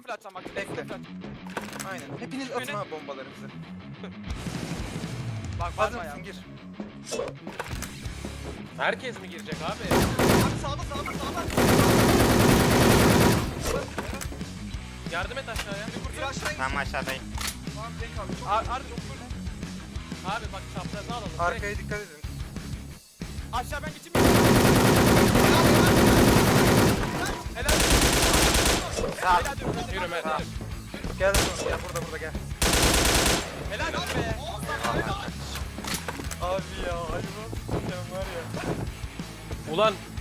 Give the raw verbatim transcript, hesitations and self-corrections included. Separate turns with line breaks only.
full atacağım bak.
Bekle.
Full at.
Aynen. Hepiniz atın abi bombalarınızı.
Bak
Hazır
bakma ya.
mısın? Gir.
Herkes mi girecek abi?
Abi sağda sağda sağda.
Yardım et aşağıya.
Bir aşağı in.
Tamam aşağıdayım.
Tamam tek kaldı. Ar ar full.
Abi bak çaprazını alalım. Direkt.
Arkaya dikkat edin.
Aşağı ben geçeyim. Helal.
Sağ ol.
Helal diyorum.
Yürü Mert.
Tamam.
yürü.
Gel oğlum, gel burada burada gel.
Helal olsun be.
Abi ya hadi bak. Sen var ya.
Ulan